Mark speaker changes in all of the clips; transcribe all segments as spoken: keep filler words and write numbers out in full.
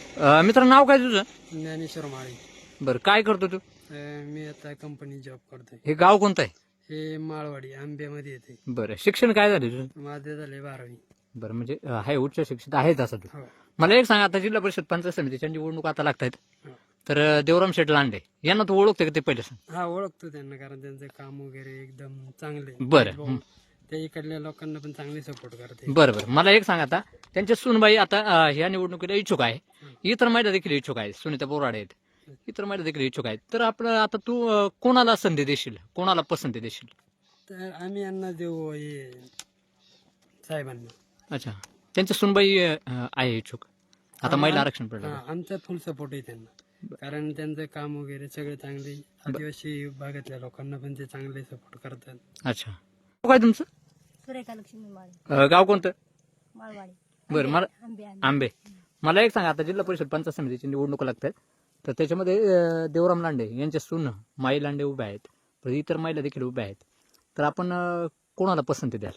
Speaker 1: अ, मित्र नाव काय तुझं?
Speaker 2: ज्ञानेश्वर माळी.
Speaker 1: बरं, काय करतो तू?
Speaker 2: अ, मी आता कंपनी जॉब करतोय.
Speaker 1: हे गाव कोणतं आहे?
Speaker 2: हे माळवाडी आंब्यामध्ये येते.
Speaker 1: बरं, शिक्षण काय झालं तुझं?
Speaker 2: माझे झाले बारावी.
Speaker 1: बरं, म्हणजे अ, आहे उच्च शिक्षित आहे तसं तू.
Speaker 2: हो.
Speaker 1: मला एक सांग, आता जिल्हा परिषद पंचायत समितीच्या निवडणूक आता लागतायत,
Speaker 2: हो.
Speaker 1: तर अ, देवराम शेठ लांडे यांना तू ओळखते का ते पहिले सांग?
Speaker 2: हा, ओळखतो त्यांना, कारण त्यांचं काम वगैरे एकदम चांगले.
Speaker 1: बरं.
Speaker 2: भाऊ, ते इकडल्या लोकांना पण चांगले सपोर्ट करते.
Speaker 1: बरं बरं, मला एक सांग, आता त्यांच्या सुनबाई आता अ, ह्या निवडणुकीला इच्छुक आहे, इतर महिला देखील इच्छुक आहेत, सुनीता बोराडे आहेत, इतर महिला देखील इच्छुक आहेत. तर आपलं आता तू अ, कोणाला संधी देशील, कोणाला पसंती देशील?
Speaker 2: तर आम्ही यांना देऊ हे साहेबांना.
Speaker 1: अच्छा, त्यांच्या सुनबाई अ, आहे इच्छुक, आता महिला आरक्षण पडलं.
Speaker 2: हा, आमचा फुल सपोर्ट आहे त्यांना, कारण त्यांचं काम वगैरे सगळे चांगले. आदिवासी भागातल्या लोकांना पण ते चांगले सपोर्ट करतात.
Speaker 1: अच्छा, नाव काय तुमचं?
Speaker 3: सुरेखा लक्ष्मी माळी,
Speaker 1: अ, गाव कोणतं?
Speaker 3: माळवाडी.
Speaker 1: बरं, मला
Speaker 3: आंबे आंबे
Speaker 1: आंबे. मला एक सांगा, आता जिल्हा परिषद पंचायत समितीची निवडणूक लागतात, तर त्याच्यामध्ये अ, देवराम लांडे यांच्या सून माई लांडे उभ्या आहेत, तर इतर महिला देखील उभ्या आहेत, तर आपण अ, कोणाला पसंती द्याल?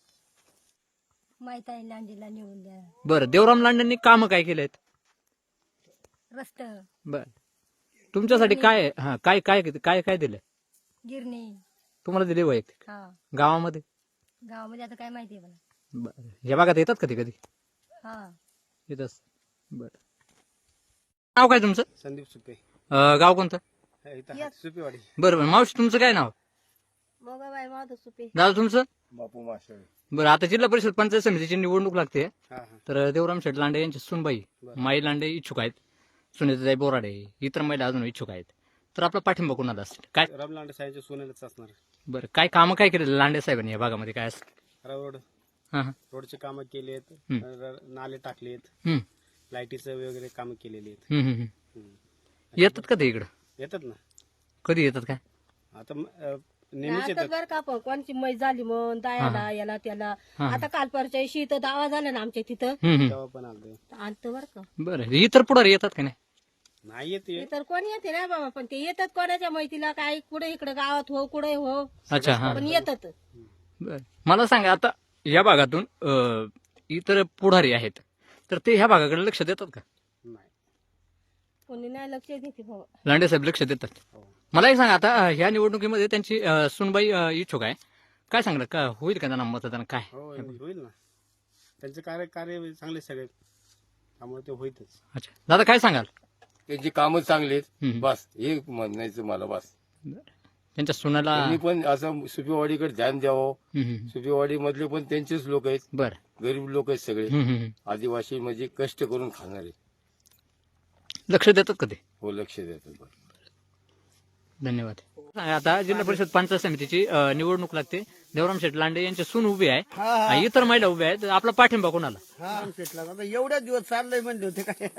Speaker 3: माहित आहे लांडीला निवडून द्या.
Speaker 1: बरं, देवराम लांडेंनी कामं काय केले आहेत?
Speaker 3: रस्त,
Speaker 1: बरं, तुमच्यासाठी काय आहे? हा, काय काय काय काय दिलंय
Speaker 3: गिरणी.
Speaker 1: तुम्हाला दिले वैयक्तिक
Speaker 3: हा,
Speaker 1: गावामध्ये?
Speaker 3: गावामध्ये आता काय माहिती आहे मला.
Speaker 1: बरं, या भागात येतात कधी कधी
Speaker 3: हा,
Speaker 1: येतात. बरं, नाव काय तुमचं?
Speaker 2: संदीप सुपे,
Speaker 1: अ, गाव कोणतं?
Speaker 2: सुपेवाडी.
Speaker 1: बरं बरं, मावशी तुमचं काय नाव?
Speaker 3: मोगाबाई माधव सुपे.
Speaker 1: दादा तुमचं?
Speaker 2: बापू माशाळे.
Speaker 1: बरं, आता जिल्हा परिषद पंचायत समितीची निवडणूक लागते,
Speaker 2: हा हा.
Speaker 1: तर देवराम शेठ लांडे यांची सुनबाई
Speaker 2: बरं.
Speaker 1: माई लांडे इच्छुक आहेत, सुनीताताई बोराडे इतर महिला अजून इच्छुक आहेत, तर आपला पाठिंबा कोणाला असेल? काय
Speaker 2: राम लांडे साहेबच्या सोन्यालाच असणार.
Speaker 1: बरं, काय कामं काय केलेलं लांडे साहेबांनी या भागामध्ये काय असेल?
Speaker 2: रोड
Speaker 1: हां हां.
Speaker 2: रोडचे कामं केले आहेत,
Speaker 1: हम्म.
Speaker 2: नाले टाकलेत,
Speaker 1: हम्म,
Speaker 2: लाईटीचं वगैरे कामं केलेली आहेत.
Speaker 1: हम्म, हम्म, हम्म.
Speaker 2: हम्म.
Speaker 1: येतात का ते इकडं?
Speaker 2: येतात ना.
Speaker 1: कधी येतात काय?
Speaker 2: आता म- अ, नेहमीच येतात.
Speaker 3: बरं का, पण कोणची मै झाली मग दायाला याला त्याला.
Speaker 1: हा.
Speaker 3: आता काल परच्या दिवशी इथं दावा झाला ना आमच्या तिथं,
Speaker 1: हम्म, हम्म.
Speaker 2: तेव्हा पण आलं.
Speaker 3: आणतं बरं का.
Speaker 1: बरं, इतर पुढारी येतात का नाही?
Speaker 2: नाही येते.
Speaker 3: हे तर कोणी येते ना बाबा, पण ते येतात कोणाच्या मैतीला, काय कुठे इकडे गावात हो कुठे हो,
Speaker 1: अच्छा, हा.
Speaker 3: पण येतात.
Speaker 1: बरं, मला सांगा, आता या भागातून अ, इतर पुढारी आहेत, तर ते ह्या भागाकडे लक्ष देतात का?
Speaker 2: नाही.
Speaker 3: कोणी नाही लक्ष देते बाबा.
Speaker 1: लांडे साहेब लक्ष देतात.
Speaker 2: हो.
Speaker 1: मला एक सांगा, आता अ, ह्या निवडणुकीमध्ये त्यांची अ, सुनबाई अ, इच्छुक आहे, काय सांगणार का होईल का त्यांना मतदान? काय
Speaker 2: हो, होईल ना. त्यांचे कार्य कार्य चांगले सगळे, त्यामुळे ते होईतच.
Speaker 1: अच्छा, दादा काय सांगाल?
Speaker 4: त्याची कामं चांगली आहेत,
Speaker 1: हम्म.
Speaker 4: बस हे म्हणायचं मला. बस
Speaker 1: त्यांच्या सुनाला
Speaker 4: त्यांनी पण असं सुपीवाडीकडे ध्यान द्यावं.
Speaker 1: हम्म, हम्म.
Speaker 4: सुपीवाडी मधले पण त्यांचेच लोक आहेत,
Speaker 1: बरं.
Speaker 4: गरीब लोक आहेत सगळे,
Speaker 1: हम्म, हम्म, हम्म.
Speaker 4: आदिवासी म्हणजे कष्ट करून खाणारे.
Speaker 1: लक्ष देतात का ते?
Speaker 4: हो, लक्ष देतात. बरं.
Speaker 1: धन्यवाद. आता जिल्हा परिषद पंचायत समितीची अ, निवडणूक लागते, देवराम शेठ लांडे यांची सून उभी आहे, आणि इतर महिला उभ्या आहेत, आपला पाठिंबा कोणाला?
Speaker 2: आता एवढ्या दिवस चाललंय म्हणले होते काय.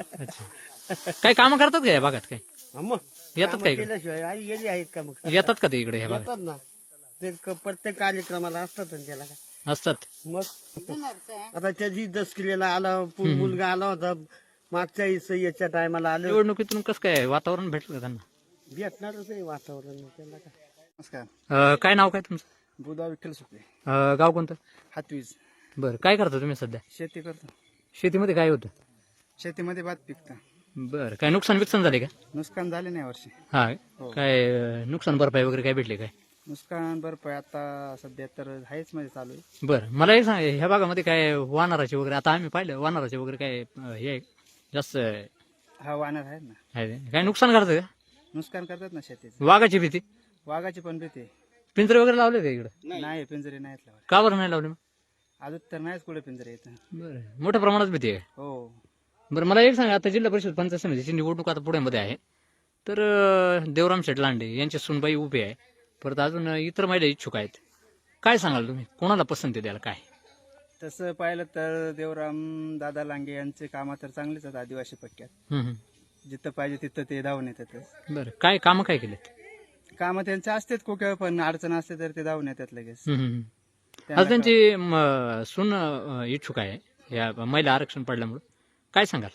Speaker 1: काही कामं करतात का या भागात? काय
Speaker 2: मग
Speaker 1: येतात का इकडे?
Speaker 2: केल्याशिवाय आई गेली आहेत का मग.
Speaker 1: येतात का ते इकडे ह्या भागात?
Speaker 2: येतात ना, ते क- प्रत्येक कार्यक्रमाला असतात ना त्याला काय.
Speaker 1: असतात.
Speaker 2: मग आता त्याची दस किल्ल्याला आला, पु- मुलगा आला होता मागच्या इस- याच्या टायमाला आले.
Speaker 1: निवडणुकीतून कसं काय वातावरण भेटलं का त्यांना?
Speaker 2: भेटणारच आहे वातावरण त्याला काय. नमस्कार,
Speaker 1: अ, काय नाव काय तुमचं?
Speaker 2: बुधा विठ्ठल सुपे,
Speaker 1: अ, गाव कोणतं?
Speaker 2: हातवीज.
Speaker 1: बरं, काय करता तुम्ही सध्या?
Speaker 2: शेती करतो.
Speaker 1: शेतीमध्ये काय होतं?
Speaker 2: शेतीमध्ये भात पिकतं.
Speaker 1: बरं, काय नुकसान विकसान झाले का?
Speaker 2: नुकसान झाले नाही वर्षी.
Speaker 1: हा,
Speaker 2: हो.
Speaker 1: काय अ, नुकसान भरपाई वगैरे काय भेटले काय?
Speaker 2: नुकसान भरपाई आता सध्या तर आहेच म्हणजे चालू आहे.
Speaker 1: बरं, मला एक सांग, ह्या भागामध्ये काय वानराचे वगैरे, आता आम्ही पाहिलं वानराचे वगैरे काय अ, हे आहे, जास्त आहे,
Speaker 2: हा, वानर आहेत ना,
Speaker 1: काय नुकसान करतं का?
Speaker 2: नुकसान करतात ना शेतीचं.
Speaker 1: वाघाची भीती?
Speaker 2: वाघाची पण भीती आहे.
Speaker 1: पिंजरे वगैरे लावले का इकडे?
Speaker 2: नाही, पिंजरे नाहीत लावले
Speaker 1: का बरं नाही लावले मग?
Speaker 2: अजून तर नाहीच कुठे पिंजरे येत.
Speaker 1: बरं, मोठ्या प्रमाणात भीती आहे.
Speaker 2: हो.
Speaker 1: बरं, मला एक सांगा, आता जिल्हा परिषद पंचायत समितीची निवडणूक आता पुण्यामध्ये आहे, तर अ, देवराम शेठ लांडे यांची सुनबाई उभी आहे, परत अजून इतर महिला इच्छुक आहेत, काय सांगाल तुम्ही कोणाला पसंती द्याल? काय
Speaker 2: तसं पाहिलं तर देवराम दादा लांगे यांचे कामं तर चांगलेच आहेत आदिवासी पट्ट्यात.
Speaker 1: हम्म, हम्म.
Speaker 2: जिथं पाहिजे तिथं ते धावून येतात.
Speaker 1: बरं, काय कामं काय केलेत?
Speaker 2: कामं त्यांचे असतात कुठे पण अडचण असते तर ते धावून येतात लगेच.
Speaker 1: हम्म, हम्म.
Speaker 2: त्यांना
Speaker 1: आता त्यांची म, सून अ, इच्छुक आहे या महिला आरक्षण पडल्यामुळे, काय सांगाल?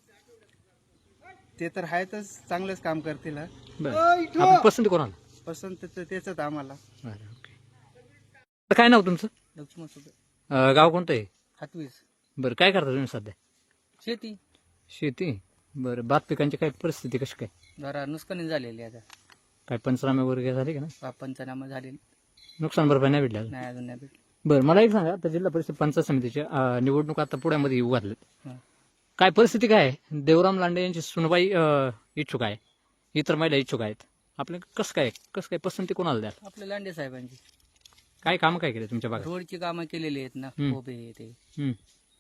Speaker 2: ते तर आहेतच, चांगलंच काम करतील. हा.
Speaker 1: बरं, आपण पसंती कोणाला?
Speaker 2: पसंत तर तेच आम्हाला.
Speaker 1: बरं, ओके. आता काय नाव तुमचं?
Speaker 2: लक्ष्मण सुपे,
Speaker 1: अ, गाव कोणतं आहे?
Speaker 2: हातवीज.
Speaker 1: बरं, काय करता तुम्ही सध्या?
Speaker 2: शेती.
Speaker 1: शेती बरं. भात पिकांची काय परिस्थिती कशी काय?
Speaker 5: जरा नुकसानी झालेली आता.
Speaker 1: काय पंचनामे वगैरे झाले का ना?
Speaker 5: पा- पंचनामा झालेली
Speaker 1: नुकसान भरपाई नाही भेटली अजून?
Speaker 5: नाही, अजून नाही भेटली.
Speaker 1: बरं, मला एक सांगा, आता जिल्हा परिषद पंचायत समितीच्या अं, निवडणूक आता पुण्यामध्ये येऊ घातल्यात.
Speaker 5: हं.
Speaker 1: काय परिस्थिती काय आहे? देवराम लांडे यांची सुनबाई अं, इच्छुक आहे, इतर महिला इच्छुक आहेत. आपलं कसं काय कसं काय पसंती कोणाला द्याल?
Speaker 5: आपल्या लांडे साहेबांची
Speaker 1: काय कामं काय केले तुमच्या भागात?
Speaker 5: रोडची कामं केलेली आहेत ना.
Speaker 1: हम्म.
Speaker 5: उभे आहे ते.
Speaker 1: हं.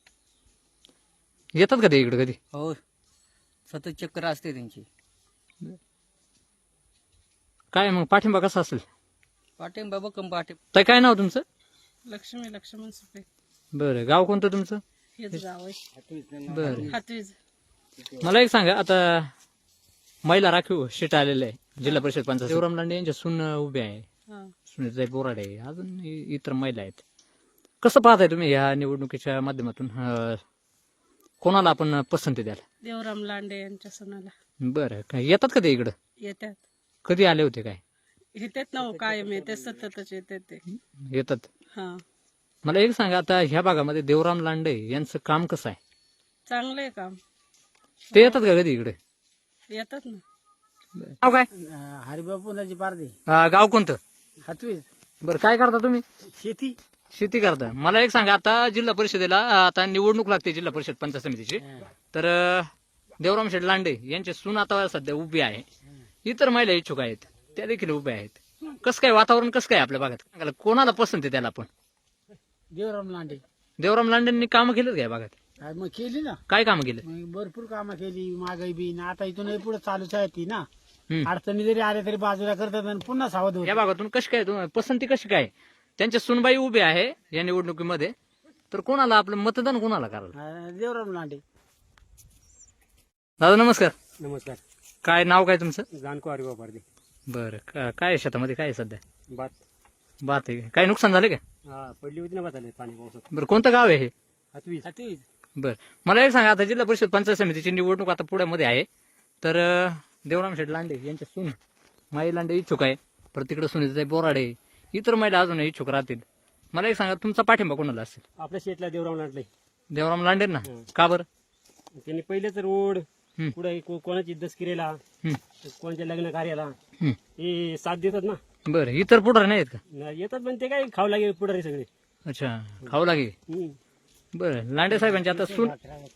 Speaker 1: येतात का ते इकडे कधी?
Speaker 5: हो, सतत चक्कर असते त्यांची.
Speaker 1: काय मग पाठिंबा कसा असेल?
Speaker 5: पाठिंबा बकम पाठिंबा.
Speaker 1: तर काय नाव तुमचं?
Speaker 2: लक्ष्मी लक्ष्मण सुपे
Speaker 1: बरं, गाव कोणतं तुमचं?
Speaker 2: हेच गाव आहे.
Speaker 1: बरं,
Speaker 2: हातवीज.
Speaker 1: मला एक सांगा, आता महिला राखीव शीट आलेलं आहे जिल्हा परिषद पंचायत. देवराम लांडे यांच्या सून उभे आहे, सुनीताई बोराडे आहे, अजून इ- इतर महिला आहेत. कसं पाहताय तुम्ही या निवडणुकीच्या माध्यमातून? अं, कोणाला आपण पसंती द्याल?
Speaker 2: देवराम लांडे यांच्या सणाला
Speaker 1: बरं, काय येतात का ते इकडं?
Speaker 2: येतात
Speaker 1: कधी आले होते? काय
Speaker 2: येतात ना हो, कायम येते, सततच येतात ते.
Speaker 1: येतात?
Speaker 2: हा,
Speaker 1: मला एक सांगा, आता ह्या भागामध्ये देवराम लांडे यांचं काम कसं आहे?
Speaker 2: चांगलं आहे काम.
Speaker 1: ते येतात का कधी इकडे?
Speaker 2: येतात ना.
Speaker 1: गाव काय?
Speaker 2: हरिबापुनाची पारदे.
Speaker 1: अं, गाव कोणतं?
Speaker 2: हातवीज.
Speaker 1: बरं, काय करता तुम्ही?
Speaker 2: शेती.
Speaker 1: शेती करता. मला एक सांगा, आता जिल्हा परिषदेला अं, आता निवडणूक लागते जिल्हा परिषद पंचायत समितीची. तर अं, देवराम शेठ लांडे यांचे सून आता सध्या उभी आहे, इतर महिला इच्छुक आहेत, त्या देखील उभ्या आहेत. कसं काय वातावरण कसं काय आपल्या भागात? सांगायला कोणाला पसंत आहे त्याला आपण?
Speaker 2: देवराम लांडे.
Speaker 1: देवराम लांडेंनी कामं केलीत का या भागात?
Speaker 2: मग केली ना,
Speaker 1: काय कामं केले?
Speaker 2: मग भरपूर कामं केली. महागाई बी ना आता इथून पुढे चालूच आहे ती ना.
Speaker 1: हम्म.
Speaker 2: अडचणी जरी आल्या तरी बाजूला करतात आणि पुन्हा सावध
Speaker 1: या भागातून कशी काय तुम्हाला पसंती कशी काय? त्यांच्या सुनबाई उभे आहे या निवडणुकीमध्ये, तर कोणाला आपलं मतदान कोणाला करायला?
Speaker 2: देवराम लांडे.
Speaker 1: दादा नमस्कार.
Speaker 2: नमस्कार.
Speaker 1: काय नाव काय तुमचं?
Speaker 2: जाणको हरिबा पारदे.
Speaker 1: बरं, का- काय आहे शेतामध्ये, काय आहे सध्या?
Speaker 2: बात.
Speaker 1: बात आहे. काय नुकसान झाले का?
Speaker 2: हा, पडली होती ना बात आले पाणी पावसात.
Speaker 1: बरं, कोणतं गाव आहे हे?
Speaker 2: हातवीज. हातवीज.
Speaker 1: बरं, मला एक सांगा, आता जिल्हा परिषद पंचायत समितीची निवडणूक आता पुण्यामध्ये आहे, तर अं, देवराम शेठ लांडे यांच्या सून माई लांडे इच्छुक आहे, परत तिकडे सुनीताई बोराडे, इतर महिला अजून इच्छुक राहतील. मला एक सांगा, तुमचा पाठिंबा कोणाला असेल?
Speaker 2: आपल्या शेतला देवराम लांडले.
Speaker 1: देवराम लांडे ना? का बरं?
Speaker 2: त्यांनी पहिलेच रोड
Speaker 1: हम्म.
Speaker 2: पुढे कोणाची दसकिरेला,
Speaker 1: हं,
Speaker 2: कोणाच्या लग्न कार्याला
Speaker 1: हं.
Speaker 2: हे साथ देतात ना.
Speaker 1: बरं, इतर पुढारी नाहीत का?
Speaker 2: न- येतात पण ते काय खाऊ लागेल पुढारी सगळे.
Speaker 1: अच्छा, खाऊ लागेल.
Speaker 2: हम्म.
Speaker 1: बरं, लांडे साहेबांची आता सून,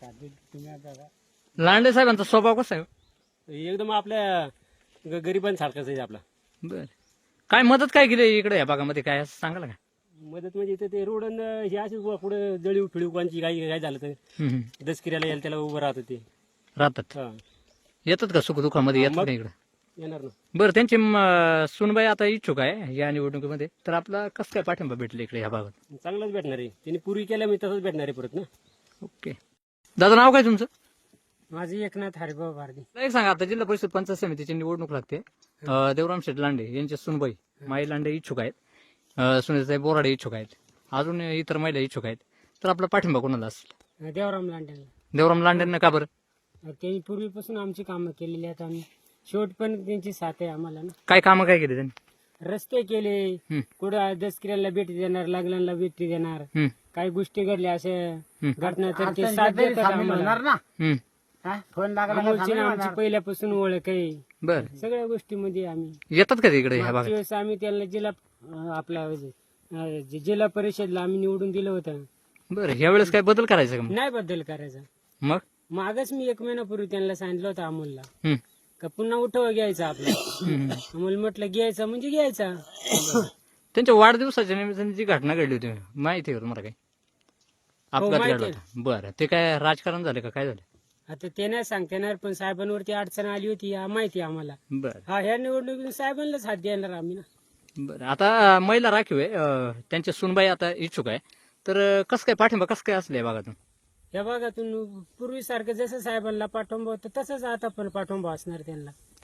Speaker 1: लांडे साहेबांचा स्वभाव कसा आहे?
Speaker 2: एकदम आपल्या ग- गरिबांसारखाच आहे आपला.
Speaker 1: बरं, काय मदत काय केली इकडे या भागामध्ये, काय असं सांगाल का?
Speaker 2: मदत म्हणजे इथं ते रोड अन हे असे पुढे जळीव फिळीव कोणची काही काय झालं तर
Speaker 1: हं, हं.
Speaker 2: दसकिऱ्याला यायला त्याला उभं राहत होते.
Speaker 1: राहतात.
Speaker 2: हा,
Speaker 1: येतात का सुखदुःखामध्ये? येतात
Speaker 2: मग-
Speaker 1: का इकडे?
Speaker 2: येणार ना.
Speaker 1: बरं, त्यांची म, सुनबाई आता इच्छुक आहे या निवडणुकीमध्ये, तर आपला कसं काय पाठिंबा भेटला इकडे या भागात?
Speaker 2: चांगलंच भेटणार आहे. त्यांनी पूर्वी केल्या मी तसंच भेटणार आहे परत ना.
Speaker 1: ओके. दादा नाव काय तुमचं?
Speaker 2: माझी एकनाथ हरिभाऊ भारती.
Speaker 1: मला एक सांगा, आता जिल्हा परिषद पंचायत समितीची निवडणूक लागते. अं, देवराम शेठ लांडे यांच्या सुनबाई माई लांडे इच्छुक आहेत, अं, सुनीताई बोराडे इच्छुक आहेत, अजून इतर महिला इच्छुक आहेत, तर आपला पाठिंबा कोणाला असेल?
Speaker 2: देवराम लांड्यांना.
Speaker 1: देवराम लांडेंना का बरं?
Speaker 2: त्यांनी पूर्वीपासून आमची कामं केलेली आहेत आणि शेवट पण त्यांची साथ आहे आम्हाला ना.
Speaker 1: काय कामं काय केली त्यांनी?
Speaker 2: रस्ते केले,
Speaker 1: हं,
Speaker 2: कुठं दसकिऱ्याला भेटी देणार, लग्नाला भेटी देणार,
Speaker 1: हं,
Speaker 2: काही गोष्टी घडल्या असे
Speaker 1: हं.
Speaker 2: घटना तर ते साथ देतात आम्हाला.
Speaker 1: हं.
Speaker 2: अमोलची ना आमची पहिल्यापासून ओळख आहे.
Speaker 1: बरं,
Speaker 2: सगळ्या गोष्टीमध्ये आम्ही
Speaker 1: येतात का ते इकडे ह्या
Speaker 2: मागच्या
Speaker 1: भागात?
Speaker 2: वेळेस आम्ही त्याला जिल्हा अं, आपला अं, जे जिल्हा परिषदला आम्ही निवडून दिलं होतं.
Speaker 1: बरं, ह्या वेळेस काय बदल करायचा का मग?
Speaker 2: नाही बदल करायचा.
Speaker 1: मग?
Speaker 2: मागच मी एक महिन्यापूर्वी त्यांना सांगितलं होतं अमोलला
Speaker 1: हं,
Speaker 2: का पुन्हा उठव घ्यायचा आपला.
Speaker 1: हं.
Speaker 2: अमोल म्हटलं घ्यायचा म्हणजे घ्यायचा.
Speaker 1: त्यांच्या वाढदिवसाच्या निमित्ताने जी घटना घडली होती माहिती आहे का तुम्हाला? काय अपघात
Speaker 2: माहिती
Speaker 1: घडला होता? बरं, ते काय राजकारण झालं का काय झालं?
Speaker 2: आता ते नाही सांगता येणार पण साहेबांवरती अडचण आली होती या माहिती आहे आम्हाला.
Speaker 1: बरं,
Speaker 2: हा, ह्या निवडणुकीत साहेबांनाच हात देणार आम्ही ना.
Speaker 1: बरं. आता महिला राखीव आहे, अं, त्यांच्या सुनबाई आता इच्छुक आहे, तर अं, कसं काय पाठिंबा कसं काय असलं या भागातून?
Speaker 2: या भागातून पूर्वीसारखं जसं साहेबांना पाठिंबा होतं तसंच आता पण पाठिंबा असणार त्यांना.